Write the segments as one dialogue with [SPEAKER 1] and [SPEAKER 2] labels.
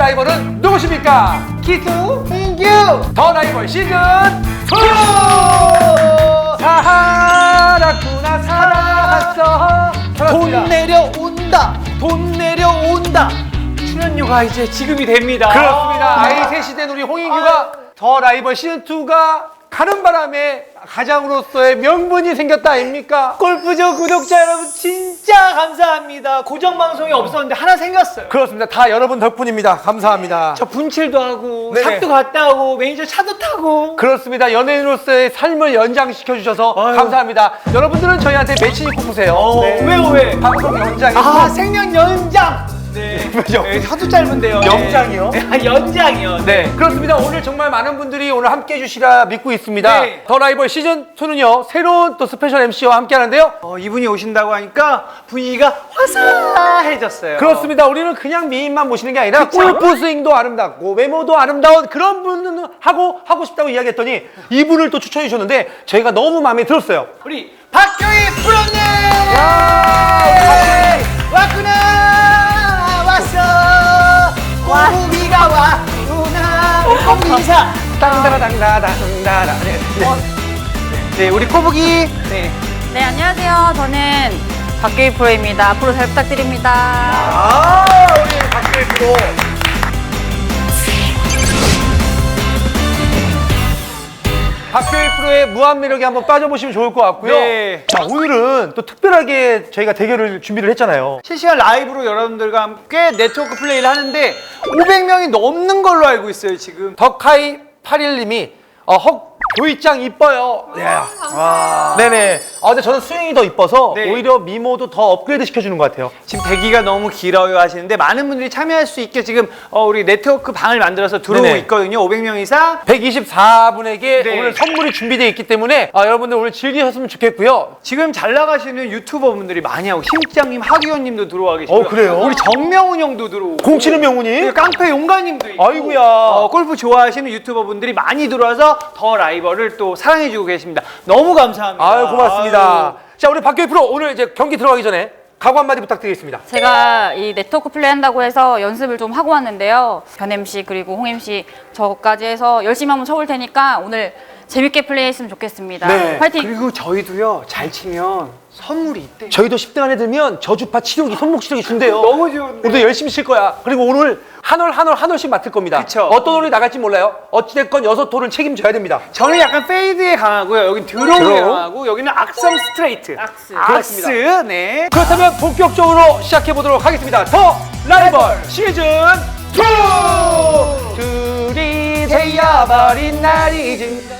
[SPEAKER 1] 라이벌은 누구십니까?
[SPEAKER 2] 기수 민규
[SPEAKER 1] 더 라이벌 시즌 2! 살았구나 살았어.
[SPEAKER 2] 돈 내려온다 돈 내려온다. 출연료가 이제 지급이 됩니다.
[SPEAKER 1] 그렇습니다. 아이 셋이 우리 홍인규가 더 라이벌 시즌 2가 가는 바람에 가장으로서의 명분이 생겼다 아닙니까?
[SPEAKER 2] 골프죠 구독자 여러분 진짜 감사합니다. 고정 방송이 없었는데 하나 생겼어요.
[SPEAKER 1] 그렇습니다. 다 여러분 덕분입니다. 감사합니다.
[SPEAKER 2] 저 분칠도 하고
[SPEAKER 1] 네네.
[SPEAKER 2] 샵도 갔다 오고 매니저 차도 타고.
[SPEAKER 1] 그렇습니다. 연예인으로서의 삶을 연장시켜 주셔서
[SPEAKER 2] 아유.
[SPEAKER 1] 감사합니다. 여러분들은 저희한테 매칭이 꼽으세요.
[SPEAKER 2] 네. 왜?
[SPEAKER 1] 방송 연장이고
[SPEAKER 2] 아 생명 연장. 네.
[SPEAKER 1] 왜죠?
[SPEAKER 2] 네, 하도 짧은데요.
[SPEAKER 1] 연장이요?
[SPEAKER 2] 네. 아, 연장이요.
[SPEAKER 1] 네, 그렇습니다. 오늘 정말 많은 분들이 오늘 함께 해주시라 믿고 있습니다.
[SPEAKER 2] 네.
[SPEAKER 1] 더 라이벌 시즌 2는요 새로운 또 스페셜 MC와 함께 하는데요.
[SPEAKER 2] 이분이 오신다고 하니까 분위기가 화사해졌어요.
[SPEAKER 1] 그렇습니다. 우리는 그냥 미인만 모시는 게 아니라
[SPEAKER 2] 그쵸?
[SPEAKER 1] 골프 스윙도 아름답고 외모도 아름다운 그런 분은 하고 싶다고 이야기했더니 이분을 또 추천해 주셨는데 저희가 너무 마음에 들었어요.
[SPEAKER 2] 우리 박교희 프로님!
[SPEAKER 1] 야,
[SPEAKER 2] 왔구나! 왔어! 꼬부기가 왔구나! 꼬부기 인사!
[SPEAKER 1] 땅다라당다당다라.
[SPEAKER 2] 네, 우리 꼬부기. 네.
[SPEAKER 3] 네, 안녕하세요. 저는 박교희 프로입니다. 앞으로 잘 부탁드립니다.
[SPEAKER 1] 우리 박교희 프로. 박교희 프로의 무한 매력에 한번 빠져보시면 좋을 것 같고요.
[SPEAKER 2] 네.
[SPEAKER 1] 자, 오늘은 또 특별하게 저희가 대결을 준비를 했잖아요.
[SPEAKER 2] 실시간 라이브로 여러분들과 함께 네트워크 플레이를 하는데 500명이 넘는 걸로 알고 있어요, 지금.
[SPEAKER 1] 덕하이 81님이 교이짱 이뻐요. 네네. 근데 저는 스윙이 더 이뻐서
[SPEAKER 2] 네.
[SPEAKER 1] 오히려 미모도 더 업그레이드 시켜주는 것 같아요.
[SPEAKER 2] 지금 대기가 너무 길어요 하시는데 많은 분들이 참여할 수 있게 지금 우리 네트워크 방을 만들어서 들어오고
[SPEAKER 1] 네네.
[SPEAKER 2] 있거든요. 500명 이상.
[SPEAKER 1] 124분에게
[SPEAKER 2] 네.
[SPEAKER 1] 오늘 선물이 준비되어 있기 때문에 여러분들 오늘 즐기셨으면 좋겠고요.
[SPEAKER 2] 지금 잘 나가시는 유튜버 분들이 많이 하고 심장님, 하기원님도 들어와 계시고
[SPEAKER 1] 그래요?
[SPEAKER 2] 우리 정명훈 형도 들어오고
[SPEAKER 1] 공치는 명훈이?
[SPEAKER 2] 그리고 깡패 용가님도 있고
[SPEAKER 1] 아이고야.
[SPEAKER 2] 골프 좋아하시는 유튜버 분들이 많이 들어와서 더 라이벌을 또 사랑해주고 계십니다. 너무 감사합니다.
[SPEAKER 1] 아유, 고맙습니다.
[SPEAKER 2] 아유.
[SPEAKER 1] 자, 우리 박교희 프로 오늘 이제 경기 들어가기 전에 각오 한마디 부탁드리겠습니다.
[SPEAKER 3] 제가 이 네트워크 플레이 한다고 해서 연습을 좀 하고 왔는데요. 변 MC 그리고 홍 MC 저까지 해서 열심히 한번 쳐볼 테니까 오늘 재밌게 플레이했으면 좋겠습니다.
[SPEAKER 1] 네.
[SPEAKER 3] 파이팅!
[SPEAKER 2] 그리고 저희도요 잘 치면 선물이 있대요.
[SPEAKER 1] 저희도 10등 안에 들면 저주파 치료기, 손목 치료기 준대요.
[SPEAKER 2] 너무 좋은데.
[SPEAKER 1] 우리도 열심히 칠 거야. 그리고 오늘 한 홀씩 맡을 겁니다.
[SPEAKER 2] 그쵸.
[SPEAKER 1] 어떤 홀이 나갈지 몰라요. 어찌됐건 6홀은 책임져야 됩니다.
[SPEAKER 2] 저는 약간 페이드에 강하고요. 여긴 드로우에
[SPEAKER 1] 드로우.
[SPEAKER 2] 강하고 여기는 악성 스트레이트.
[SPEAKER 3] 악스.
[SPEAKER 2] 네.
[SPEAKER 1] 그렇다면 본격적으로 시작해 보도록 하겠습니다. 더 라이벌 시즌 2! 들이대야버린 날이 진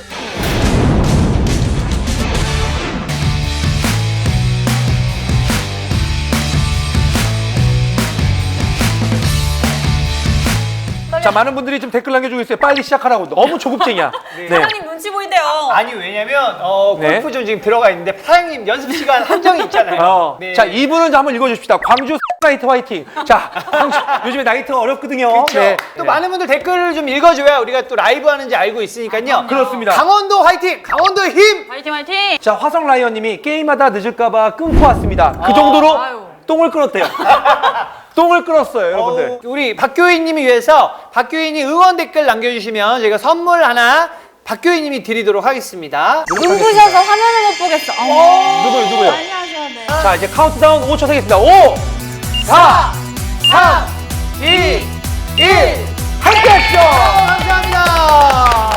[SPEAKER 1] 자, 많은 분들이 좀 댓글 남겨주고 있어요. 빨리 시작하라고. 너무 조급쟁이야. 네.
[SPEAKER 3] 사장님 눈치 보이대요.
[SPEAKER 2] 아니 왜냐면
[SPEAKER 1] 네.
[SPEAKER 2] 골프존 지금 들어가 있는데 사장님 연습 시간 한정이 있잖아요. 네.
[SPEAKER 1] 자, 이분은 한번 읽어주십시다. 광주 나이트 화이팅. 자, 광주, 요즘에 나이트가 어렵거든요.
[SPEAKER 2] 그렇죠. 또 많은 분들 댓글을 좀 읽어줘야 우리가 또 라이브 하는지 알고 있으니까요.
[SPEAKER 1] 그렇습니다.
[SPEAKER 2] 강원도 화이팅! 강원도의 힘!
[SPEAKER 3] 파이팅 파이팅!
[SPEAKER 1] 자, 화성 라이언님이 게임하다 늦을까봐 끊고 왔습니다. 그 정도로
[SPEAKER 3] 아유.
[SPEAKER 1] 똥을 끊었대요. 똥을 끊었어요, 여러분들.
[SPEAKER 2] 우리 박교희님이 위해서 박교희님 응원 댓글 남겨주시면 저희가 선물 하나 박교희님이 드리도록 하겠습니다.
[SPEAKER 3] 눈부셔서 화면을 못 보겠어.
[SPEAKER 1] 누구요?
[SPEAKER 3] 빨리 하셔야 돼.
[SPEAKER 1] 자, 이제 카운트다운 5초 세겠습니다. 5, 4, 3, 2, 1. 함께 하시죠!
[SPEAKER 2] 감사합니다.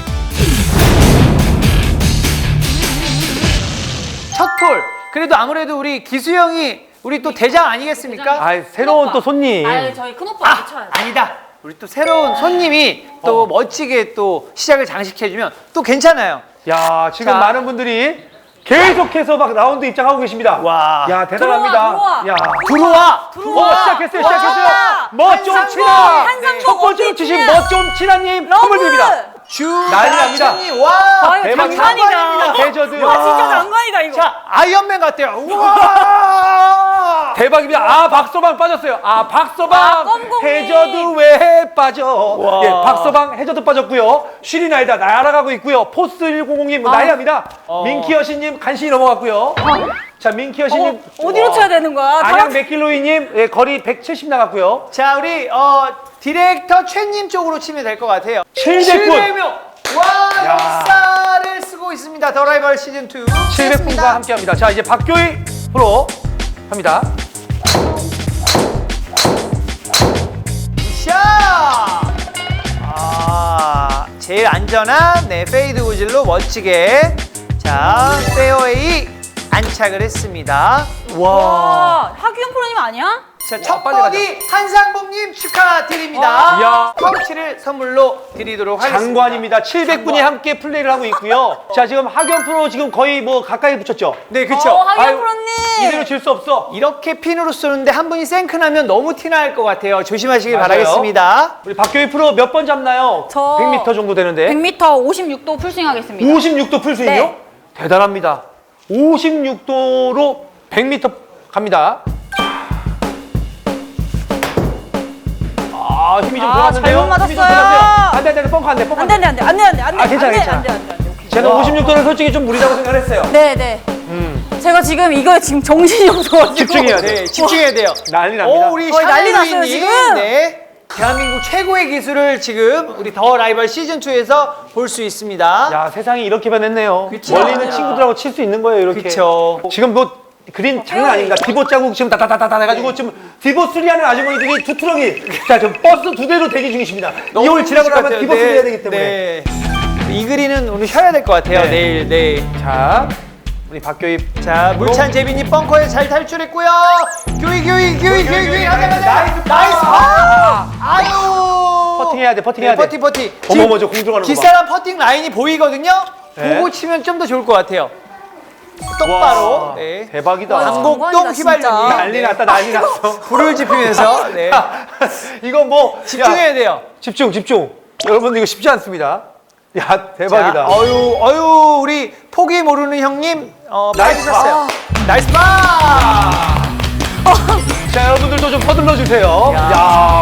[SPEAKER 2] 첫 톨. 그래도 아무래도 우리 기수 형이 우리 또 대장 아니겠습니까?
[SPEAKER 1] 새로운 또 손님.
[SPEAKER 3] 저희 큰오빠 쳐야 돼.
[SPEAKER 2] 아니다. 우리 또 새로운 손님이 또 멋지게 또 시작을 장식해주면 또 괜찮아요.
[SPEAKER 1] 야, 지금
[SPEAKER 2] 자.
[SPEAKER 1] 많은 분들이 계속해서 막 라운드 입장하고 계십니다.
[SPEAKER 2] 와.
[SPEAKER 1] 야, 대단합니다.
[SPEAKER 3] 들어와.
[SPEAKER 1] 야.
[SPEAKER 2] 들어와.
[SPEAKER 1] 시작했어요.
[SPEAKER 3] 와.
[SPEAKER 1] 멋 좀
[SPEAKER 2] 한상봉.
[SPEAKER 1] 치라.
[SPEAKER 3] 한상봉
[SPEAKER 1] 첫 번째로
[SPEAKER 3] 어떻게
[SPEAKER 1] 치신
[SPEAKER 3] 치냐.
[SPEAKER 1] 멋 좀 치라님 선물 드립니다. 난리 납니다.
[SPEAKER 2] 주다천님 와.
[SPEAKER 3] 아유, 장관이다.
[SPEAKER 1] 대저드.
[SPEAKER 3] 와, 진짜 장관이다 이거.
[SPEAKER 2] 자 아이언맨 같아요. 우와.
[SPEAKER 1] 대박입니다. 아, 박서방 빠졌어요. 아, 박서방
[SPEAKER 3] 껌공님.
[SPEAKER 1] 해저드 왜 빠져? 예, 박서방 해저드 빠졌고요. 쉬리 날다 날아가고 있고요. 포스 100님 난리 납니다. 민키 여신님 간신히 넘어갔고요. 자, 민키 여신님
[SPEAKER 3] 어디로 쳐야 되는 거야?
[SPEAKER 1] 안양 맥길로이님 예, 거리 170 나갔고요.
[SPEAKER 2] 자, 우리 디렉터 최님 쪽으로 치면 될 것 같아요.
[SPEAKER 1] 700분.
[SPEAKER 2] 700명. 와,
[SPEAKER 1] 야.
[SPEAKER 2] 역사를 쓰고 있습니다. 더 라이벌 시즌 2.
[SPEAKER 1] 700분과 함께합니다. 자, 이제 박교희 프로 합니다.
[SPEAKER 2] 샷! 제일 안전한 페이드 구질로 멋지게 자, 페어웨이 안착을 했습니다.
[SPEAKER 3] 와, 하규현 프로님 아니야?
[SPEAKER 2] 자, 첫
[SPEAKER 1] 빨리
[SPEAKER 2] 버디 한상봉님 축하드립니다.
[SPEAKER 1] 이야.
[SPEAKER 2] 파우치를 선물로 드리도록 하겠습니다.
[SPEAKER 1] 장관입니다. 700분이 함께 플레이를 하고 있고요. 자, 지금 하경 프로 지금 거의 뭐 가까이 붙였죠?
[SPEAKER 2] 네, 그렇죠.
[SPEAKER 3] 하규현
[SPEAKER 1] 아유,
[SPEAKER 3] 프로님.
[SPEAKER 1] 이대로 질 수 없어.
[SPEAKER 2] 이렇게 핀으로 쏘는데 한 분이 생크나면 너무 티날 것 같아요. 조심하시길
[SPEAKER 1] 맞아요.
[SPEAKER 2] 바라겠습니다.
[SPEAKER 1] 우리 박교희 프로 몇 번 잡나요?
[SPEAKER 3] 저
[SPEAKER 1] 100m 정도 되는데.
[SPEAKER 3] 100m 56도 풀스윙 하겠습니다.
[SPEAKER 1] 56도 풀스윙이요?
[SPEAKER 3] 네.
[SPEAKER 1] 대단합니다. 56도로 100m 갑니다. 아, 힘이 좀
[SPEAKER 3] 아,
[SPEAKER 1] 들어갔는데요?
[SPEAKER 3] 잘못
[SPEAKER 1] 힘이 좀
[SPEAKER 3] 맞았어요.
[SPEAKER 1] 들어갔어요. 안 돼, 안 돼, 뻥커 안 돼, 뻥커 안 돼.
[SPEAKER 3] 안 돼, 안 돼, 안 돼, 안 돼, 안 돼.
[SPEAKER 1] 아, 괜찮아, 괜찮아.
[SPEAKER 3] 안 돼, 안 돼, 안 돼. 오케이.
[SPEAKER 1] 제가 56도는 솔직히 좀 무리라고 생각을 했어요.
[SPEAKER 3] 네, 네. 제가 지금 이거에 지금 정신이 없어가지고.
[SPEAKER 1] 집중해야 돼.
[SPEAKER 2] 네, 집중해야 돼요.
[SPEAKER 1] 난리 납니다.
[SPEAKER 2] 오, 우리
[SPEAKER 3] 거의 난리
[SPEAKER 2] 샤넬루이님.
[SPEAKER 3] 났어요, 지금.
[SPEAKER 2] 네. 대한민국 최고의 기술을 지금 우리 더 라이벌 시즌 2에서 볼 수 있습니다.
[SPEAKER 1] 야, 세상이 이렇게 변했네요.
[SPEAKER 2] 그쵸.
[SPEAKER 1] 멀리 있는 친구들하고 칠 수 있는 거예요, 이렇게.
[SPEAKER 2] 그쵸.
[SPEAKER 1] 지금 뭐 그린 장난 아닙니다. 디보 자국 지금 다다다다 해가지고 지금 디보 3 하는 아주머니들이 두 트럭이 자, 지금 버스 2대로 대기 중이십니다. 이걸 지나고 나면 디보 3 해야 되기 때문에.
[SPEAKER 2] 네. 이 그린은 오늘 쉬어야 될 것 같아요.
[SPEAKER 1] 네.
[SPEAKER 2] 내일.
[SPEAKER 1] 자, 우리 박교희.
[SPEAKER 2] 자, 물찬 재빈이 벙커에 잘 탈출했고요. 교이 하자마자 나이스 파! 아유.
[SPEAKER 1] 퍼팅해야 돼, 퍼팅해야 돼.
[SPEAKER 2] 퍼팅.
[SPEAKER 1] 어머, 저 공 들어가는 거 봐.
[SPEAKER 2] 뒷사람 퍼팅 라인이 보이거든요.
[SPEAKER 1] 네.
[SPEAKER 2] 보고 치면 좀 더 좋을 것 같아요. 똑바로.
[SPEAKER 1] 와,
[SPEAKER 2] 네.
[SPEAKER 1] 대박이다.
[SPEAKER 2] 강곡동
[SPEAKER 3] 장관이다, 진짜.
[SPEAKER 2] 휘발유님.
[SPEAKER 1] 난리 났다, 난리 났어.
[SPEAKER 2] 불을 지피면서. 네.
[SPEAKER 1] 이거 뭐.
[SPEAKER 2] 집중해야
[SPEAKER 1] 야,
[SPEAKER 2] 돼요.
[SPEAKER 1] 집중. 여러분, 이거 쉽지 않습니다. 야, 대박이다.
[SPEAKER 2] 자, 어유, 우리 포기 모르는 형님,
[SPEAKER 1] 나이스
[SPEAKER 2] 빠지셨어요. 나이스 파!
[SPEAKER 1] 자, 여러분들도 좀 서둘러 주세요.
[SPEAKER 2] 야.
[SPEAKER 1] 야.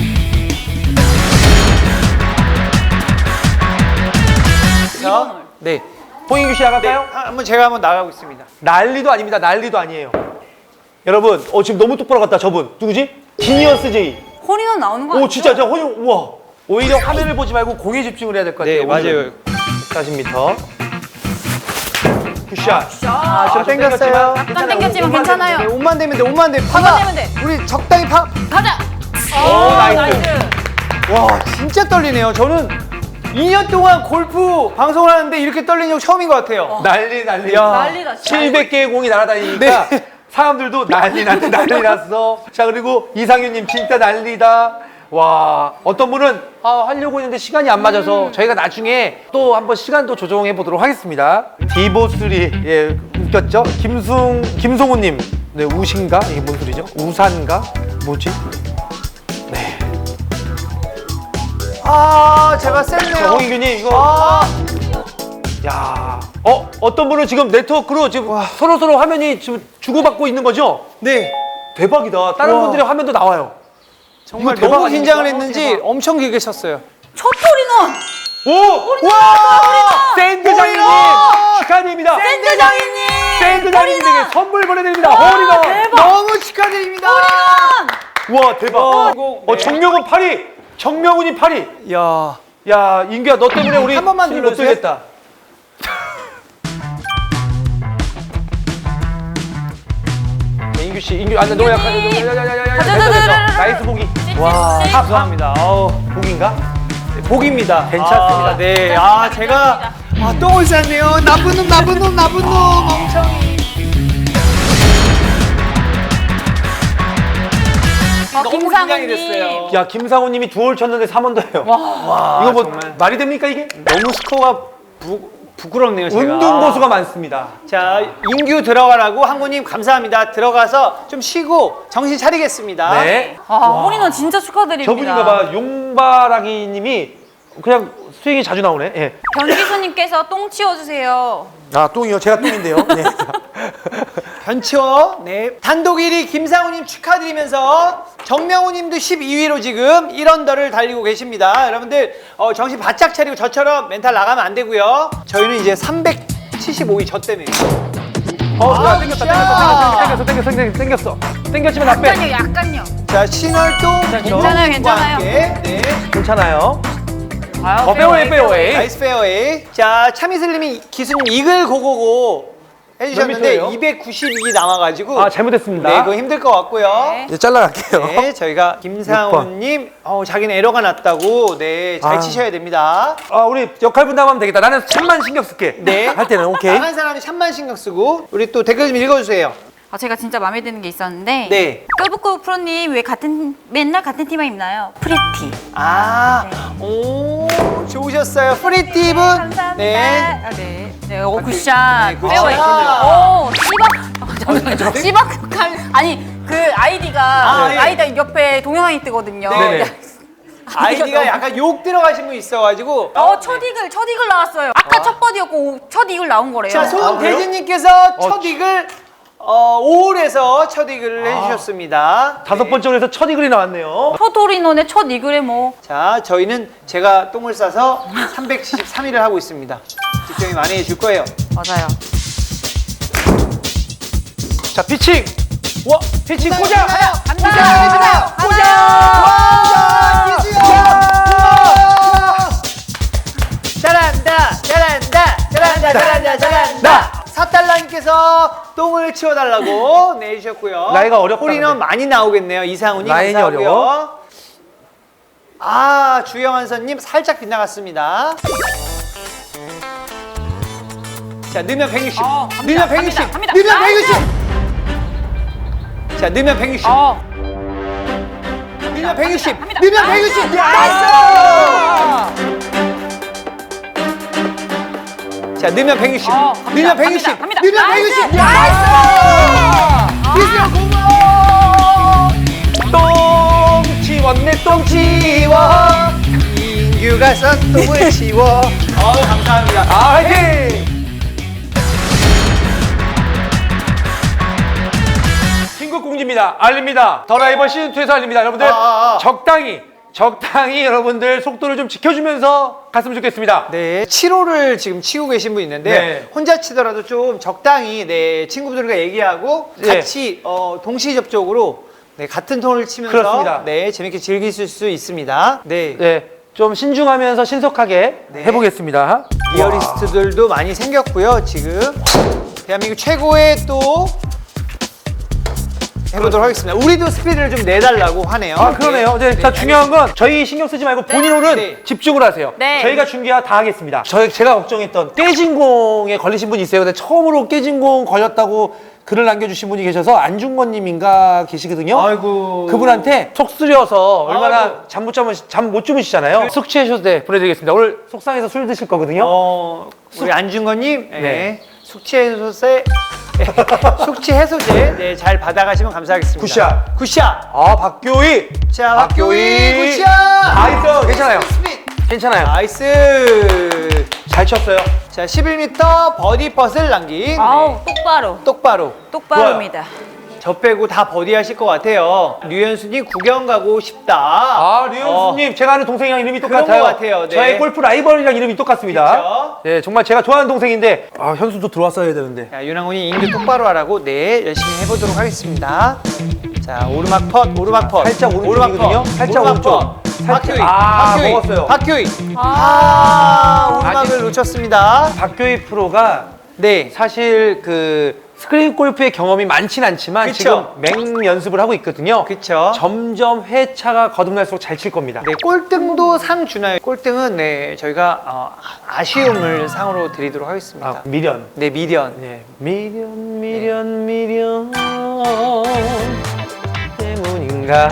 [SPEAKER 2] 자, 네.
[SPEAKER 1] 홍인규 씨 나갈까요?
[SPEAKER 2] 제가 한번 나가고 있습니다.
[SPEAKER 1] 난리도 아닙니다. 난리도 아니에요. 여러분, 지금 너무 똑바로 갔다. 저분 누구지? 지니어스 제이.
[SPEAKER 3] 홀인원 나오는 거
[SPEAKER 1] 오,
[SPEAKER 3] 아니에요?
[SPEAKER 1] 진짜 저 혼이 우와. 오히려 화면을 보지 말고 공에 집중을 해야 될 것 같아요.
[SPEAKER 2] 네, 맞아요.
[SPEAKER 1] 40m. 굿샷.
[SPEAKER 2] 좀 땡겼어요.
[SPEAKER 3] 약간 땡겼지만 괜찮아요.
[SPEAKER 2] 네, 옷만 되면 돼, 옷만 돼.
[SPEAKER 3] 옷만
[SPEAKER 2] 파가.
[SPEAKER 3] 되면 돼.
[SPEAKER 2] 우리 적당히 파.
[SPEAKER 3] 가자!
[SPEAKER 1] 오, 나이스.
[SPEAKER 2] 와, 진짜 떨리네요. 저는 2년 동안 골프 방송을 하는데 이렇게 떨리는 적 처음인 것 같아요.
[SPEAKER 1] 난리.
[SPEAKER 2] 야.
[SPEAKER 3] 난리다, 진짜.
[SPEAKER 1] 700개의 공이 날아다니니까
[SPEAKER 2] 네.
[SPEAKER 1] 사람들도 난리 났어. 자, 그리고 이상윤님 진짜 난리다. 와, 어떤 분은 하려고 했는데 시간이 안 맞아서 저희가 나중에 또 한번 시간도 조정해 보도록 하겠습니다. 디보3 예, 웃겼죠? 김송우님 네, 우신가? 이게 뭔 소리죠? 우산가? 뭐지? 네.
[SPEAKER 2] 제가 셌네요.
[SPEAKER 1] 홍인규님 이거 야, 어떤 분은 지금 네트워크로 지금 서로 화면이 지금 주고받고 있는 거죠?
[SPEAKER 2] 네.
[SPEAKER 1] 대박이다. 다른
[SPEAKER 2] 와.
[SPEAKER 1] 분들의 화면도 나와요.
[SPEAKER 2] 정말
[SPEAKER 1] 이거 대박
[SPEAKER 2] 너무 긴장을
[SPEAKER 1] 아닙니까?
[SPEAKER 2] 했는지
[SPEAKER 1] 대박.
[SPEAKER 2] 엄청 길게 쳤어요.
[SPEAKER 3] 첫 홀인원!
[SPEAKER 1] 오! 와! 샌드장님 축하드립니다.
[SPEAKER 3] 샌드장이님!
[SPEAKER 1] 샌드장님에게 선물 보내드립니다. 홀인원.
[SPEAKER 3] 대박!
[SPEAKER 2] 너무 축하드립니다.
[SPEAKER 1] 와, 대박.
[SPEAKER 2] 네.
[SPEAKER 1] 정명훈 8위. 정명훈이 8위.
[SPEAKER 2] 야.
[SPEAKER 1] 야, 인규야 너 때문에 우리
[SPEAKER 2] 한 번만
[SPEAKER 1] 수익
[SPEAKER 2] 눌러주세요.
[SPEAKER 1] 못 들겠다. 인규 씨, 인규 안돼 너무 약하네. 됐어. 나이스 보기.
[SPEAKER 2] 와, 감사합니다.
[SPEAKER 1] 보기인가?
[SPEAKER 2] 복입니다.
[SPEAKER 1] 괜찮습니다.
[SPEAKER 2] 네. 제가 똥을 쌌네요. 나쁜 놈, 멍청이. 너무 긴장이 됐어요.
[SPEAKER 1] 야, 김상우님이 2홀 쳤는데 3원도 해요.
[SPEAKER 2] 와,
[SPEAKER 1] 이거 뭐
[SPEAKER 2] 정말.
[SPEAKER 1] 말이 됩니까 이게?
[SPEAKER 2] 너무 스코어가 부끄럽네요, 제가.
[SPEAKER 1] 운동 고수가 많습니다.
[SPEAKER 2] 자, 인규 들어가라고 한구님 감사합니다. 들어가서 좀 쉬고 정신 차리겠습니다.
[SPEAKER 1] 네.
[SPEAKER 3] 홀인원 진짜 축하드립니다.
[SPEAKER 1] 저분인가 봐. 용바라기님이 그냥 스윙이 자주 나오네. 예.
[SPEAKER 3] 변기수님께서 똥 치워주세요.
[SPEAKER 1] 아, 똥이요. 제가 똥인데요. 네.
[SPEAKER 2] 변치호. 네. 단독 1위 김상우님 축하드리면서 정명우님도 12위로 지금 1언더를 달리고 계십니다. 여러분들 정신 바짝 차리고 저처럼 멘탈 나가면 안 되고요. 저희는 이제 375위 저 때문에.
[SPEAKER 1] 야, 땡겼어. 땡겼지만 나 빼.
[SPEAKER 3] 약간요.
[SPEAKER 2] 자, 신월동
[SPEAKER 3] 괜찮아요, 괜찮아요.
[SPEAKER 2] 함께, 네.
[SPEAKER 1] 괜찮아요.
[SPEAKER 3] 아유,
[SPEAKER 1] 페어웨이.
[SPEAKER 2] 나이스 페어웨이. 자, 차미슬님이 기수님 이글 고고고 해주셨는데
[SPEAKER 1] 몇
[SPEAKER 2] 292이 남아가지고
[SPEAKER 1] 아, 잘못했습니다.
[SPEAKER 2] 네, 그거 힘들 것 같고요.
[SPEAKER 3] 네.
[SPEAKER 1] 이제 잘라갈게요.
[SPEAKER 2] 네, 저희가 김상훈님 자기는 에러가 났다고 네, 잘
[SPEAKER 1] 아.
[SPEAKER 2] 치셔야 됩니다.
[SPEAKER 1] 우리 역할 분담하면 되겠다. 나는 참만 신경 쓸게.
[SPEAKER 2] 네.
[SPEAKER 1] 할 때는 오케이.
[SPEAKER 2] 나간 사람이 참만 신경 쓰고 우리 또 댓글 좀 읽어주세요.
[SPEAKER 3] 제가 진짜 마음에 드는 게 있었는데
[SPEAKER 2] 네.
[SPEAKER 3] 끄부끄부 프로님 왜 맨날 같은 티만 입나요? 프리티.
[SPEAKER 2] 오, 좋으셨어요. 프리티분.
[SPEAKER 3] 감사합니다.
[SPEAKER 2] 네.
[SPEAKER 3] 네. 네, 굿샷.
[SPEAKER 2] 네, 굿샷.
[SPEAKER 3] 페어웨이. 오, 씨박. 씨박. 아니, 그 아이디가
[SPEAKER 2] 예.
[SPEAKER 3] 아이디 옆에 동영상이 뜨거든요.
[SPEAKER 1] 네네.
[SPEAKER 2] 아이디가 약간 욕 들어가신 분 있어가지고.
[SPEAKER 3] 첫 이글 나왔어요. 아까 첫 버디였고 첫 이글 나온 거래요.
[SPEAKER 2] 자, 손대진님께서 첫 이글 5홀에서 첫 이글을 해주셨습니다.
[SPEAKER 1] 5번째 홀에서 첫 이글이 나왔네요.
[SPEAKER 3] 첫 홀인원의 첫 이글에 뭐.
[SPEAKER 2] 자, 저희는 제가 똥을 싸서 373일을 하고 있습니다. 집중이 많이 해줄 거예요.
[SPEAKER 3] 맞아요.
[SPEAKER 1] 자, 피칭. 피칭 꽂아.
[SPEAKER 3] 간다.
[SPEAKER 2] 잘한다. 사달라님께서 똥을 치워달라고 내주셨고요.
[SPEAKER 1] 나이가 어렵다,
[SPEAKER 2] 홀인원
[SPEAKER 1] 근데.
[SPEAKER 2] 많이 나오겠네요. 이상훈이
[SPEAKER 1] 라인이
[SPEAKER 2] 감사하고요.
[SPEAKER 1] 어려워.
[SPEAKER 2] 주영환선님 살짝 빗나갔습니다. 자, 넣으면 160. 넣으면 160.
[SPEAKER 3] 갑니다.
[SPEAKER 2] 넣으면 160. 자, 넣으면 160. 넣으면 160.
[SPEAKER 3] 갑니다.
[SPEAKER 2] 넣으면 160. 나이스! 자, 넣으면 160. 넣으면 160.
[SPEAKER 3] 갑니다.
[SPEAKER 2] 넣으면 160. 나이스! 기수야 고마워.
[SPEAKER 1] 똥 치웠네, 똥
[SPEAKER 2] 치워. 인규가 썬 똥을 치워. 감사합니다.
[SPEAKER 1] 화이팅! 신곡 공지입니다. 알립니다. 더 라이벌 시즌2에서 알립니다. 여러분들, 적당히 여러분들 속도를 좀 지켜주면서 갔으면 좋겠습니다.
[SPEAKER 2] 네, 7호를 지금 치고 계신 분 있는데
[SPEAKER 1] 네.
[SPEAKER 2] 혼자 치더라도 좀 적당히 친구들과 얘기하고
[SPEAKER 1] 네.
[SPEAKER 2] 같이 동시 접촉으로 같은 톤을 치면서
[SPEAKER 1] 그렇습니다.
[SPEAKER 2] 재밌게 즐기실 수 있습니다.
[SPEAKER 1] 네, 좀 신중하면서 신속하게
[SPEAKER 2] 네.
[SPEAKER 1] 해보겠습니다.
[SPEAKER 2] 리얼리스트들도 많이 생겼고요. 지금 대한민국 최고의 또 해보도록 하겠습니다. 우리도 스피드를 좀 내달라고 하네요.
[SPEAKER 1] 그러네요. 자, 중요한 건 저희 신경 쓰지 말고 본인 홀은
[SPEAKER 2] 네.
[SPEAKER 1] 집중을 하세요.
[SPEAKER 3] 네.
[SPEAKER 1] 저희가 중계화 다 하겠습니다. 제가 걱정했던 깨진 공에 걸리신 분이 있어요. 근데 처음으로 깨진 공 걸렸다고 글을 남겨주신 분이 계셔서 안중건님인가 계시거든요.
[SPEAKER 2] 아이고.
[SPEAKER 1] 그분한테 속 쓰려서 얼마나
[SPEAKER 2] 아이고.
[SPEAKER 1] 잠 못 주무시잖아요. 숙취해셔서 보내드리겠습니다. 오늘 속상해서 술 드실 거거든요.
[SPEAKER 2] 우리 안중건님,
[SPEAKER 1] 네.
[SPEAKER 2] 숙취 해소제 잘 받아가시면 감사하겠습니다. 굿샷.
[SPEAKER 1] 박교희.
[SPEAKER 2] 자, 박교희 굿샷.
[SPEAKER 1] 나이스. 괜찮아요. 괜찮아요.
[SPEAKER 2] 나이스.
[SPEAKER 1] 잘 쳤어요.
[SPEAKER 2] 자, 11m 버디 퍼스를 남긴.
[SPEAKER 3] 똑바로. 똑바로입니다.
[SPEAKER 2] 저 빼고 다 버디 하실 것 같아요. 류현수님 구경 가고 싶다.
[SPEAKER 1] 류현수님, 제가 아는 동생이랑 이름이
[SPEAKER 2] 그런
[SPEAKER 1] 똑같아요.
[SPEAKER 2] 것 같아요. 네.
[SPEAKER 1] 저의 골프 라이벌이랑 이름이 똑같습니다.
[SPEAKER 2] 그쵸?
[SPEAKER 1] 네, 정말 제가 좋아하는 동생인데, 현수도 들어왔어야 되는데.
[SPEAKER 2] 자, 윤항훈이 인규 똑바로 하라고 열심히 해보도록 하겠습니다. 자, 오르막 펫.
[SPEAKER 1] 살짝 오른쪽이거든요. 살짝 오른쪽.
[SPEAKER 2] 박효희.
[SPEAKER 1] 먹었어요.
[SPEAKER 2] 박효희. 오르막을
[SPEAKER 1] 아직-
[SPEAKER 2] 놓쳤습니다.
[SPEAKER 1] 박교희 프로가
[SPEAKER 2] 네.
[SPEAKER 1] 사실 스크린 골프의 경험이 많진 않지만
[SPEAKER 2] 그쵸?
[SPEAKER 1] 지금 맹 연습을 하고 있거든요.
[SPEAKER 2] 그쵸?
[SPEAKER 1] 점점 회차가 거듭날수록 잘 칠 겁니다.
[SPEAKER 2] 네, 꼴등도 상 주나요? 꼴등은 저희가 아쉬움을 상으로 드리도록 하겠습니다.
[SPEAKER 1] 미련.
[SPEAKER 2] 네, 미련.
[SPEAKER 1] 네, 미련 때문인가.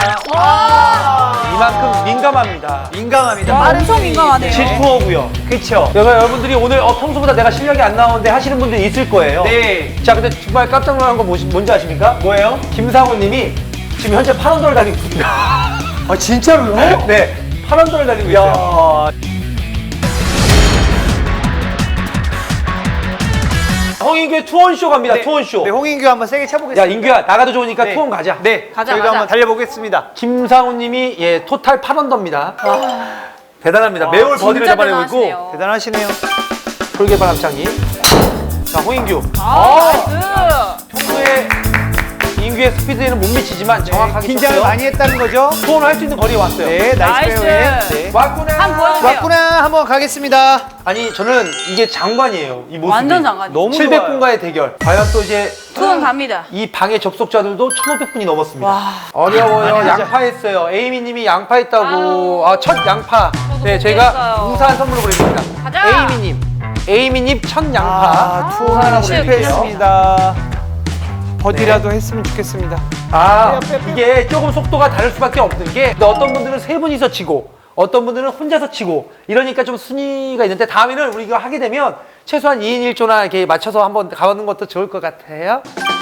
[SPEAKER 1] 이만큼 민감합니다.
[SPEAKER 2] 민감합니다.
[SPEAKER 3] 엄청 민감하네요.
[SPEAKER 1] 질투어고요.
[SPEAKER 2] 그쵸?
[SPEAKER 1] 그래서 여러분들이 오늘 평소보다 내가 실력이 안 나오는데 하시는 분들이 있을 거예요.
[SPEAKER 2] 네.
[SPEAKER 1] 자, 근데 정말 깜짝 놀란 거 뭔지 아십니까?
[SPEAKER 2] 뭐예요?
[SPEAKER 1] 김상훈님이 지금 현재 8언더를 달리고 있습니다.
[SPEAKER 2] 진짜로요?
[SPEAKER 1] 네, 8언더를 달리고 있어요.
[SPEAKER 2] 야.
[SPEAKER 1] 홍인규의 투혼쇼 갑니다.
[SPEAKER 2] 네.
[SPEAKER 1] 투혼쇼.
[SPEAKER 2] 네, 홍인규 한번 세게 쳐보겠습니다.
[SPEAKER 1] 야 인규야 나가도 좋으니까
[SPEAKER 2] 네.
[SPEAKER 1] 투혼 가자.
[SPEAKER 2] 네,
[SPEAKER 3] 가자,
[SPEAKER 2] 저희도
[SPEAKER 3] 가자.
[SPEAKER 2] 한번 달려보겠습니다.
[SPEAKER 1] 김상훈님이 예 토탈 8언더입니다. 대단합니다. 매월 버디를
[SPEAKER 3] 진짜
[SPEAKER 1] 잡아내고 있고
[SPEAKER 3] 대단하시네요.
[SPEAKER 2] 대단하시네요.
[SPEAKER 1] 돌개발 합창기. 자 홍인규.
[SPEAKER 3] 나이스.
[SPEAKER 1] 평소에 인규의 스피드에는 못 미치지만 정확하게
[SPEAKER 2] 긴장을
[SPEAKER 1] 쳤어요.
[SPEAKER 2] 많이 했다는 거죠?
[SPEAKER 1] 투혼을 할 수 있는 거리에 왔어요.
[SPEAKER 2] 네, 나이스
[SPEAKER 3] 나이스.
[SPEAKER 2] 페어웨이. 네.
[SPEAKER 1] 왔구나.
[SPEAKER 3] 한번 보여주세요.
[SPEAKER 2] 왔구나. 한번 가겠습니다.
[SPEAKER 1] 아니 저는 이게 장관이에요. 이 모습이.
[SPEAKER 3] 완전 장관.
[SPEAKER 2] 너무
[SPEAKER 1] 700분과의 대결. 과연 또 이제
[SPEAKER 3] 투혼 갑니다.
[SPEAKER 1] 이 방의 접속자들도 1,500분이 넘었습니다.
[SPEAKER 3] 와.
[SPEAKER 1] 어려워요.
[SPEAKER 2] 아니,
[SPEAKER 1] 양파했어요. 에이미님이 양파했다고.
[SPEAKER 3] 아유.
[SPEAKER 1] 아, 첫 양파. 네, 저희가
[SPEAKER 3] 못했어요.
[SPEAKER 1] 우산 선물로 보내드립니다.
[SPEAKER 3] 가자.
[SPEAKER 1] 에이미님. 에이미님 첫 양파.
[SPEAKER 2] 아, 투혼을
[SPEAKER 1] 우산 하나
[SPEAKER 2] 실패했습니다. 버디라도 했으면 좋겠습니다.
[SPEAKER 1] 아,
[SPEAKER 2] 빼요, 빼요, 빼요.
[SPEAKER 1] 이게 조금 속도가 다를 수밖에 없는 게 근데 어떤 분들은 세 분이서 치고 어떤 분들은 혼자서 치고 이러니까 좀 순위가 있는데 다음에는 우리 이거 하게 되면 최소한 2인 1조나 이렇게 맞춰서 한번 가보는 것도 좋을 것 같아요.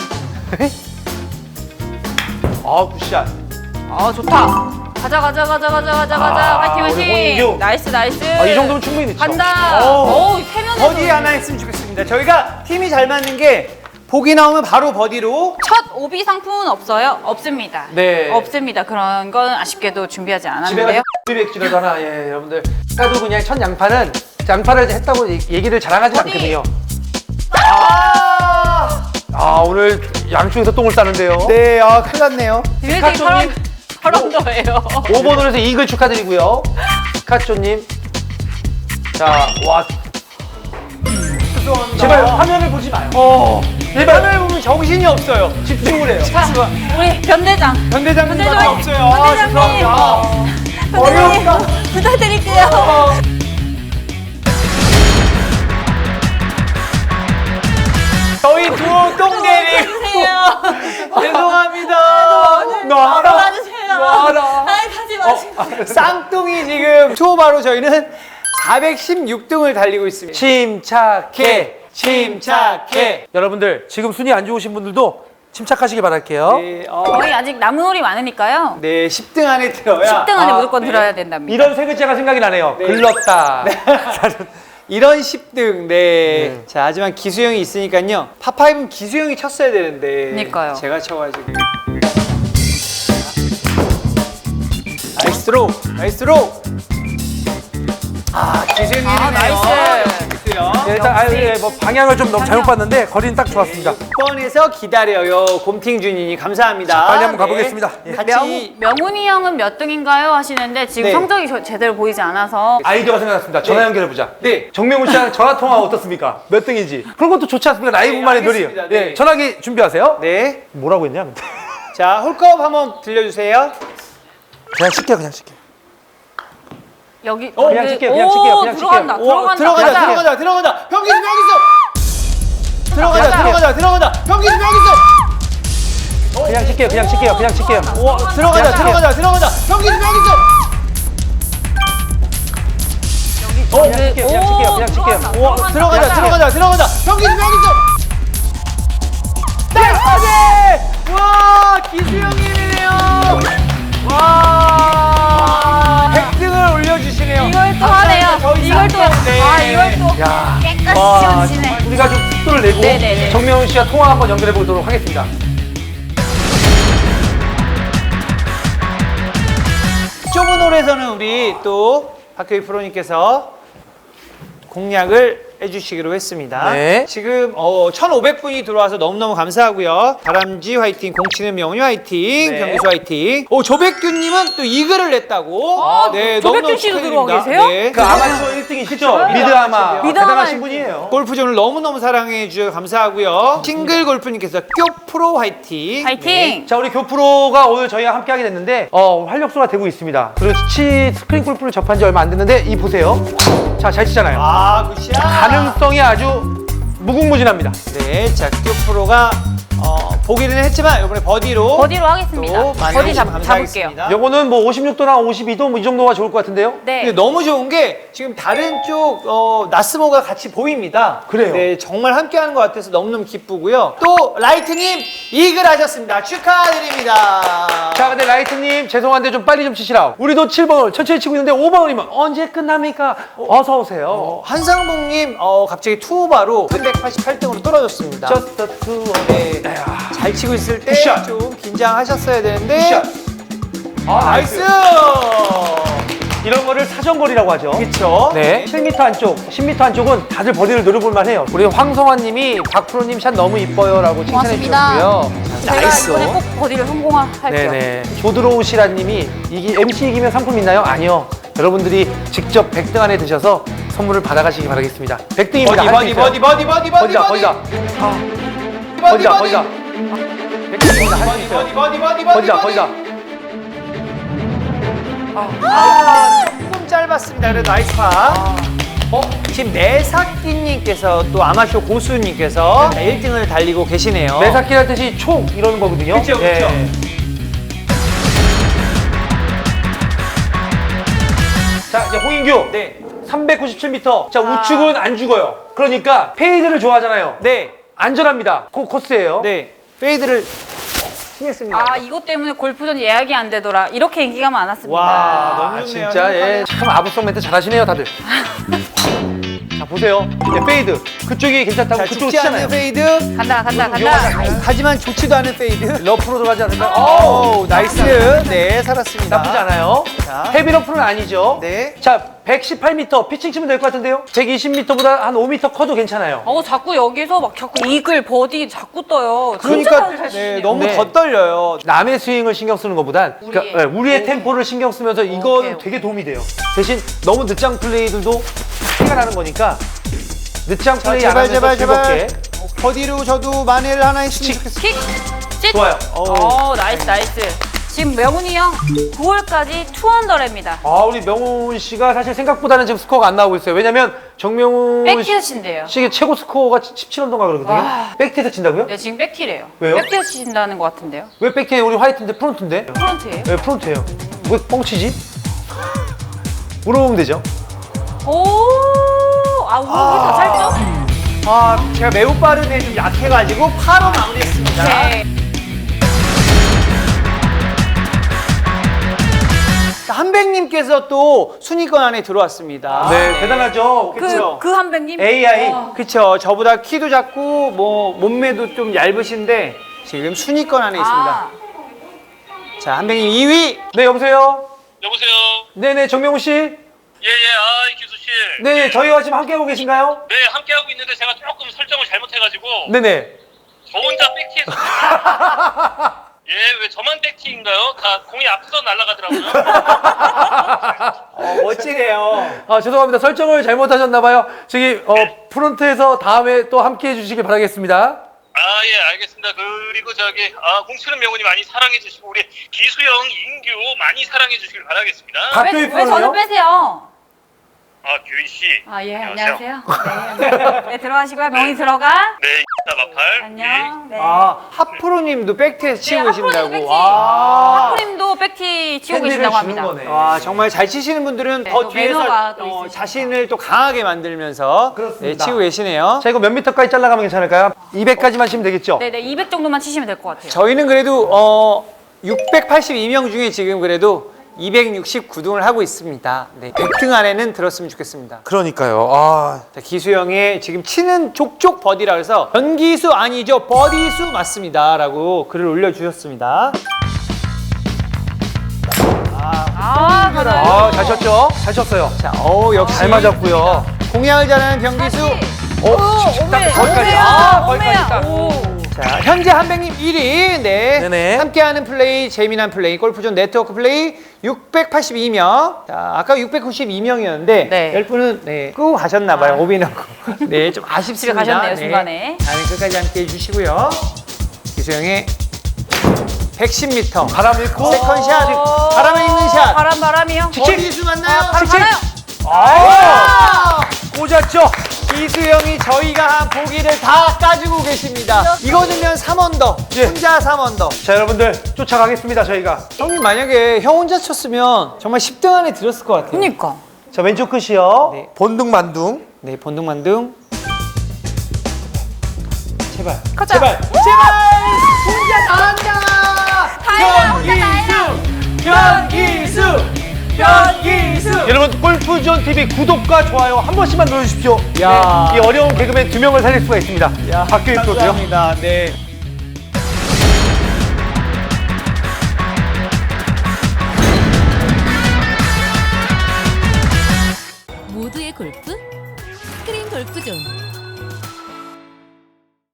[SPEAKER 1] 아, 굿샷.
[SPEAKER 3] 아 좋다. 가자 가자 가자 가자 가자 가자. 화이팅
[SPEAKER 1] 우리 홍인규.
[SPEAKER 3] 화이팅. 나이스 나이스.
[SPEAKER 1] 아, 이 정도면 충분히 늦죠.
[SPEAKER 3] 간다.
[SPEAKER 2] 오.
[SPEAKER 3] 오, 세면에
[SPEAKER 2] 버디 하나 했으면 좋겠습니다. 저희가 팀이 잘 맞는 게 보기 나오면 바로 버디로.
[SPEAKER 3] 첫 오비 상품은 없어요? 없습니다.
[SPEAKER 1] 네.
[SPEAKER 3] 없습니다. 그런 건 아쉽게도 준비하지
[SPEAKER 1] 집에
[SPEAKER 3] 않았는데요.
[SPEAKER 1] 가서 백지라도 하나, 예, 여러분들. 아까도 그냥 첫 양파는 양파를 했다고 얘기를 자랑하지
[SPEAKER 3] 어디?
[SPEAKER 1] 않거든요.
[SPEAKER 2] 아!
[SPEAKER 1] 아, 오늘 양쪽에서 똥을 싸는데요.
[SPEAKER 2] 네, 아, 큰일 났네요.
[SPEAKER 3] 굉장히
[SPEAKER 1] 스카초님.
[SPEAKER 3] 저런 거예요.
[SPEAKER 1] 5번으로 해서 이글 축하드리고요. 스카초님. 자, 와.
[SPEAKER 2] 죄송합니다.
[SPEAKER 1] 제발 화면을 보지 마요.
[SPEAKER 2] 제발. 화면을 보면 정신이 없어요.
[SPEAKER 1] 집중을 해요.
[SPEAKER 3] 자, 우리 변대장.
[SPEAKER 2] 변대장님밖에
[SPEAKER 3] 변대장.
[SPEAKER 2] 없어요. 아,
[SPEAKER 3] 변대장님.
[SPEAKER 2] 죄송합니다.
[SPEAKER 3] 변대장님
[SPEAKER 2] 어렵다.
[SPEAKER 3] 부탁드릴게요.
[SPEAKER 2] 저희 두오 똥내리.
[SPEAKER 3] 해주세요.
[SPEAKER 2] 죄송합니다.
[SPEAKER 1] 놔라.
[SPEAKER 3] 도와주세요.
[SPEAKER 1] 놔라.
[SPEAKER 3] 아이 가지 마시고.
[SPEAKER 2] 쌍둥이 지금 투어바로 저희는 416등을 달리고 있습니다.
[SPEAKER 1] 침착해.
[SPEAKER 2] 침착해.
[SPEAKER 1] 여러분들, 지금 순위 안 좋으신 분들도 침착하시기 바랄게요.
[SPEAKER 2] 네,
[SPEAKER 3] 저희 아직 남은 홀이 많으니까요.
[SPEAKER 2] 네, 10등 안에 들어야.
[SPEAKER 3] 10등 안에
[SPEAKER 1] 아,
[SPEAKER 3] 무조건
[SPEAKER 2] 네.
[SPEAKER 3] 들어야 된답니다.
[SPEAKER 1] 이런 세 글자가 생각이 나네요.
[SPEAKER 2] 네.
[SPEAKER 1] 글렀다.
[SPEAKER 2] 이런 10등. 네. 자, 하지만 기수형이 있으니까요. 파5는 기수형이 쳤어야 되는데.
[SPEAKER 3] 그러니까요.
[SPEAKER 2] 제가 쳐가지고. 나이스 드로우. 나이스 드로우. 아, 기수형이네요.
[SPEAKER 3] 아, 나이스.
[SPEAKER 2] 기수형.
[SPEAKER 1] 예, 일단 뭐 방향을 좀 너무 잘못 봤는데 거리는 딱 좋았습니다.
[SPEAKER 2] 6번에서 기다려요. 곰팅준이니 감사합니다.
[SPEAKER 1] 자, 빨리 한번 가보겠습니다. 예.
[SPEAKER 2] 같이
[SPEAKER 3] 명훈이 형은 몇 등인가요? 하시는데 지금
[SPEAKER 2] 네.
[SPEAKER 3] 성적이 제대로 보이지 않아서
[SPEAKER 1] 아이디어가 생각났습니다. 전화
[SPEAKER 2] 네.
[SPEAKER 1] 연결해보자.
[SPEAKER 2] 네.
[SPEAKER 1] 정명훈 씨랑 전화 통화 어떻습니까? 몇 등인지. 그런 것도 좋지 않습니까? 라이브만의
[SPEAKER 2] 네,
[SPEAKER 1] 놀이.
[SPEAKER 2] 알겠습니다.
[SPEAKER 1] 예,
[SPEAKER 2] 네.
[SPEAKER 1] 전화기 준비하세요.
[SPEAKER 2] 네.
[SPEAKER 1] 뭐라고 했냐? 근데.
[SPEAKER 2] 자, 홀컵 한번 들려주세요.
[SPEAKER 1] 그냥 칠게요, 그냥 칠게요.
[SPEAKER 3] 여기
[SPEAKER 1] 그냥 칠게요, 그냥 칠게요, 그냥
[SPEAKER 3] 들어간다.
[SPEAKER 1] 칠게요.
[SPEAKER 2] 오,
[SPEAKER 3] 들어간다.
[SPEAKER 2] 들어가자,
[SPEAKER 3] 가자.
[SPEAKER 2] 들어가자, 들어가자. 병기수 병기수. 들어가자,
[SPEAKER 3] 가자.
[SPEAKER 2] 들어가자, 들어가자. 병기수 병기수.
[SPEAKER 1] 그냥 칠게요, 그냥 칠게요, 그냥 칠게요.
[SPEAKER 2] 오, 들어가자,
[SPEAKER 1] 가자.
[SPEAKER 2] 들어가자, 들어가자. 병기수 병기수.
[SPEAKER 1] 그냥 칠게요, 그냥 칠게요, 그냥 칠게요.
[SPEAKER 2] 오, 들어가자, 들어가자, 들어가자. 병기수 병기수. 나이스! 와, 기수형님이네요. 와, 100등을 올려주시네요.
[SPEAKER 3] 이걸 또 하네요.
[SPEAKER 2] 저희
[SPEAKER 3] 이걸 또
[SPEAKER 2] 네.
[SPEAKER 3] 이걸 또
[SPEAKER 1] 야,
[SPEAKER 3] 깨끗이
[SPEAKER 1] 와,
[SPEAKER 3] 지워지네.
[SPEAKER 1] 우리가 좀 속도를 내고
[SPEAKER 3] 네네네.
[SPEAKER 1] 정명훈 씨와 통화 한번 연결해 보도록 하겠습니다.
[SPEAKER 2] 좁은 홀에서는 우리 또 박효희 프로님께서 공략을 해주시기로 했습니다.
[SPEAKER 1] 네.
[SPEAKER 2] 지금 1,500분이 들어와서 너무너무 감사하고요. 다람쥐 화이팅, 공치는 명훈이 화이팅,
[SPEAKER 1] 네.
[SPEAKER 2] 경기수 화이팅. 조백규님은 또 이글을 냈다고. 네,
[SPEAKER 3] 조백규
[SPEAKER 2] 너무너무
[SPEAKER 3] 씨도
[SPEAKER 2] 축하드립니다.
[SPEAKER 3] 들어와 계세요?
[SPEAKER 2] 네.
[SPEAKER 1] 그 아마추어 1등이시죠?
[SPEAKER 2] 네.
[SPEAKER 1] 미드아마.
[SPEAKER 2] 미드아마
[SPEAKER 1] 대단하신
[SPEAKER 3] 1등.
[SPEAKER 1] 분이에요.
[SPEAKER 2] 골프존을 너무너무 사랑해 주셔서 감사하고요. 싱글 골프님께서 쿄프로 화이팅.
[SPEAKER 3] 파이팅.
[SPEAKER 1] 자, 우리 교프로가 오늘 저희와 함께 하게 됐는데 활력소가 되고 있습니다. 그리고 스크린 골프를 접한 지 얼마 안 됐는데 이 보세요. 자, 잘 치잖아요.
[SPEAKER 2] 아, 굿샷.
[SPEAKER 1] 가능성이 아주 무궁무진합니다.
[SPEAKER 2] 네, 자, 쿄프로가 보기는 했지만 이번에 버디로
[SPEAKER 3] 버디로 하겠습니다.
[SPEAKER 2] 또 많이
[SPEAKER 3] 버디
[SPEAKER 2] 해주시면
[SPEAKER 3] 잡을게요.
[SPEAKER 2] 감사하겠습니다.
[SPEAKER 1] 요거는 뭐 56도나 52도 뭐 이 정도가 좋을 것 같은데요?
[SPEAKER 3] 네.
[SPEAKER 2] 근데 너무 좋은 게 지금 다른 쪽 나스모가 같이 보입니다.
[SPEAKER 1] 그래요?
[SPEAKER 2] 네, 정말 함께하는 것 같아서 너무너무 기쁘고요. 또 라이트님 이글 하셨습니다. 축하드립니다.
[SPEAKER 1] 자, 근데 라이트님 죄송한데 좀 빨리 좀 치시라. 우리도 7번을 천천히 치고 있는데 5번이면 언제 끝납니까? 어서 오세요.
[SPEAKER 2] 한상봉님 갑자기 투오바로 388등으로 떨어졌습니다.
[SPEAKER 1] Just the two of
[SPEAKER 2] 네,
[SPEAKER 1] us.
[SPEAKER 2] 잘 치고 있을 때
[SPEAKER 1] 굿샷.
[SPEAKER 2] 좀 긴장하셨어야 되는데
[SPEAKER 1] 굿샷. 아,
[SPEAKER 2] 나이스!
[SPEAKER 1] 이런 거를 사정거리라고 하죠.
[SPEAKER 2] 그쵸?
[SPEAKER 1] 네. 7m 안쪽, 10m 안쪽은 다들 버디를 노려볼만 해요. 우리 황성환 님이 박프로님 샷 너무 이뻐요 라고 칭찬해
[SPEAKER 3] 고맙습니다.
[SPEAKER 1] 주셨고요.
[SPEAKER 3] 제가
[SPEAKER 2] 나이스.
[SPEAKER 3] 이번에 꼭 버디를 성공할게요.
[SPEAKER 1] 네네. 조드로우시라 님이 MC 이기면 상품 있나요? 아니요. 여러분들이 직접 100등 안에 드셔서 선물을 받아가시기 바라겠습니다. 100등입니다.
[SPEAKER 2] 버디.
[SPEAKER 1] 버디다. 버디다. 100등입니다. 할 수 있어요. 버디다.
[SPEAKER 2] 조금 짧았습니다. 그래도 나이스 파. 지금 매사끼님께서 또 아마쇼 고수님께서 1등을 달리고 계시네요.
[SPEAKER 1] 매사키란 뜻이 촉 이러는 거거든요.
[SPEAKER 2] 그쵸, 그쵸.
[SPEAKER 1] 네. 자, 이제 홍인규.
[SPEAKER 2] 네.
[SPEAKER 1] 397m. 자, 우측은 안 죽어요. 그러니까 페이드를 좋아하잖아요.
[SPEAKER 2] 네.
[SPEAKER 1] 안전합니다. 코스예요.
[SPEAKER 2] 네. 페이드를 치겠습니다.
[SPEAKER 3] 아, 이것 때문에 골프전 예약이 안 되더라. 이렇게 인기가 많았습니다.
[SPEAKER 2] 와, 너무
[SPEAKER 1] 아,
[SPEAKER 2] 좋네요.
[SPEAKER 1] 진짜 예. 참 아부성 멘트 잘하시네요, 다들. 자, 보세요. 네, 페이드. 그쪽이 괜찮다고
[SPEAKER 2] 자,
[SPEAKER 1] 그쪽으로
[SPEAKER 2] 죽지 않는
[SPEAKER 1] 치잖아요.
[SPEAKER 2] 페이드.
[SPEAKER 3] 간다.
[SPEAKER 2] 하지만 좋지도 않은 페이드.
[SPEAKER 1] 러프로 들어가지 않을까?
[SPEAKER 2] 오, 나이스. 네, 살았습니다.
[SPEAKER 1] 나쁘지 않아요.
[SPEAKER 2] 자.
[SPEAKER 1] 헤비 러프는 아니죠.
[SPEAKER 2] 네.
[SPEAKER 1] 자, 118m 피칭 치면 될 것 같은데요? 120m보다 한 5m 커도 괜찮아요.
[SPEAKER 3] 자꾸 여기서 막 자꾸 이글, 버디 자꾸 떠요.
[SPEAKER 2] 그러니까
[SPEAKER 3] 진짜 잘
[SPEAKER 2] 네,
[SPEAKER 3] 치시네요.
[SPEAKER 2] 너무
[SPEAKER 1] 네.
[SPEAKER 2] 더 떨려요.
[SPEAKER 1] 남의 스윙을 신경 쓰는 것보단 우리의 템포를 신경 쓰면서 이건
[SPEAKER 3] 오케이.
[SPEAKER 1] 되게 도움이 돼요. 대신 너무 늦장 플레이들도 티가 나는 거니까 늦장
[SPEAKER 2] 자,
[SPEAKER 1] 플레이 안 하면서 즐겁게.
[SPEAKER 2] 버디로 저도 만회를 하나 했으면 좋겠어요.
[SPEAKER 3] 킥! 찢!
[SPEAKER 1] 좋아요.
[SPEAKER 3] 나이스. 지금 명훈이 형 9월까지 투언더랩니다.
[SPEAKER 1] 아, 우리 명훈 씨가 사실 생각보다는 지금 스코어가 안 나오고 있어요. 왜냐면 정명훈
[SPEAKER 3] 백티에신데요.
[SPEAKER 1] 씨의 최고 스코어가 17언더가 그러거든요.
[SPEAKER 3] 와.
[SPEAKER 1] 백티에서 친다고요?
[SPEAKER 3] 네, 지금 백티래요.
[SPEAKER 1] 왜요?
[SPEAKER 3] 백티에서 치신다는 것 같은데요.
[SPEAKER 1] 왜 백티에 우리 화이트인데 프론트인데?
[SPEAKER 3] 프론트예요.
[SPEAKER 1] 네, 프론트예요. 왜 뻥치지? 물어보면 되죠.
[SPEAKER 3] 우리 다 찰죠?
[SPEAKER 2] 제가 매우 빠르네 좀 약해가지고 파로 마무리했습니다.
[SPEAKER 3] 네.
[SPEAKER 2] 한백님께서 또 순위권 안에 들어왔습니다.
[SPEAKER 1] 네, 대단하죠.
[SPEAKER 2] 그쵸.
[SPEAKER 3] 그 한백님?
[SPEAKER 1] AI.
[SPEAKER 2] 그쵸. 저보다 키도 작고 뭐 몸매도 좀 얇으신데 지금 순위권 안에 있습니다. 자, 한백님 2위.
[SPEAKER 1] 네, 여보세요?
[SPEAKER 4] 여보세요.
[SPEAKER 1] 네네, 정명훈 씨?
[SPEAKER 4] 기수 씨.
[SPEAKER 1] 네, 저희와 지금 함께하고 계신가요?
[SPEAKER 4] 네, 함께 하고 있는데 제가 조금 설정을 잘못해가지고
[SPEAKER 1] 네네.
[SPEAKER 4] 저 혼자 백티에서. 왜 저만 백티인가요? 다 공이 앞서 날아가더라고요.
[SPEAKER 2] 멋지네요.
[SPEAKER 1] 아, 죄송합니다. 설정을 잘못하셨나봐요. 저기, 프론트에서 다음에 또 함께해 주시길 바라겠습니다.
[SPEAKER 4] 알겠습니다. 그리고 공치는 명훈이 많이 사랑해주시고 우리 기수형, 인규 많이 사랑해주시길 바라겠습니다.
[SPEAKER 1] 박교희
[SPEAKER 3] 왜
[SPEAKER 1] 프로는요?
[SPEAKER 3] 저는 빼세요?
[SPEAKER 4] 규희 씨.
[SPEAKER 3] 안녕하세요. 네, 들어가시고요. 명훈이 들어가.
[SPEAKER 4] 네, 마팔.
[SPEAKER 3] 안녕. 네.
[SPEAKER 2] 하프로님도 백티에서 치고 계신다고.
[SPEAKER 3] 백티.
[SPEAKER 2] 와.
[SPEAKER 3] 하프님도 백티 치고
[SPEAKER 1] 팬들을
[SPEAKER 3] 계신다고
[SPEAKER 1] 주는
[SPEAKER 3] 합니다.
[SPEAKER 1] 거네.
[SPEAKER 2] 와, 정말 잘 치시는 분들은
[SPEAKER 3] 네,
[SPEAKER 2] 더
[SPEAKER 3] 또
[SPEAKER 2] 뒤에서
[SPEAKER 3] 매너가 또 있으시니까.
[SPEAKER 2] 자신을 또 강하게 만들면서
[SPEAKER 1] 그렇습니다.
[SPEAKER 2] 치고 계시네요.
[SPEAKER 1] 자, 이거 몇 미터까지 잘라가면 괜찮을까요? 200까지만 치면 되겠죠?
[SPEAKER 3] 네네, 200 정도만 치시면 될 것 같아요.
[SPEAKER 2] 저희는 그래도 682명 중에 지금 그래도 269등을 하고 있습니다. 네, 100등 안에는 들었으면 좋겠습니다.
[SPEAKER 1] 그러니까요.
[SPEAKER 2] 자, 기수형의 지금 치는 족족 버디라 해서 연기수 아니죠, 버디수 맞습니다 라고 글을 올려주셨습니다.
[SPEAKER 3] 맞아요.
[SPEAKER 1] 잘 쳤죠? 잘 쳤어요.
[SPEAKER 2] 자, 역시
[SPEAKER 1] 잘 맞았고요.
[SPEAKER 2] 공략을 잘하는 병기수.
[SPEAKER 1] 딱 거기까지. 거기까지 딱.
[SPEAKER 2] 자, 현재 한백님 1위. 네.
[SPEAKER 1] 네네.
[SPEAKER 2] 함께하는 플레이, 재미난 플레이, 골프존 네트워크 플레이 682명. 자, 아까 692명이었는데
[SPEAKER 3] 네.
[SPEAKER 2] 10분은 끄고 가셨나봐요. 오비나고. 네, 좀 아쉽습니다.
[SPEAKER 3] 집에 가셨네요, 중간에.
[SPEAKER 2] 다음에 끝까지 함께 해주시고요. 기수형의 110m.
[SPEAKER 1] 바람 잃고.
[SPEAKER 2] 세컨샷. 바람에 있는 샷.
[SPEAKER 3] 바람이요?
[SPEAKER 2] 버디수 맞나요?
[SPEAKER 3] 바로 가나요?
[SPEAKER 1] 꽂았죠?
[SPEAKER 2] 기수형이 저희가 한 보기를 다 까주고 계십니다. 이거 넣으면 3언더,
[SPEAKER 1] 예.
[SPEAKER 2] 혼자 3언더.
[SPEAKER 1] 자, 여러분들 쫓아가겠습니다, 저희가.
[SPEAKER 2] 형님 만약에 형 혼자 쳤으면 정말 10등 안에 들었을 것 같아요.
[SPEAKER 3] 그니까.
[SPEAKER 1] 자, 왼쪽 끝이요.
[SPEAKER 2] 네.
[SPEAKER 1] 본둥만둥.
[SPEAKER 2] 네, 본등만등. 제발.
[SPEAKER 3] 가자.
[SPEAKER 2] 제발. 제발. 혼자 다 한다.
[SPEAKER 3] 다행이야, 혼자 다행이야.
[SPEAKER 2] 변기수. 변기수.
[SPEAKER 1] 여러분, 골프존 TV 구독과 좋아요 한 번씩만 눌러주십시오.
[SPEAKER 2] 야.
[SPEAKER 1] 네, 이 어려운 개그맨 2명을 살릴 수가 있습니다.
[SPEAKER 2] 야,
[SPEAKER 1] 박규일 프로도요.
[SPEAKER 2] 감사합니다. 네.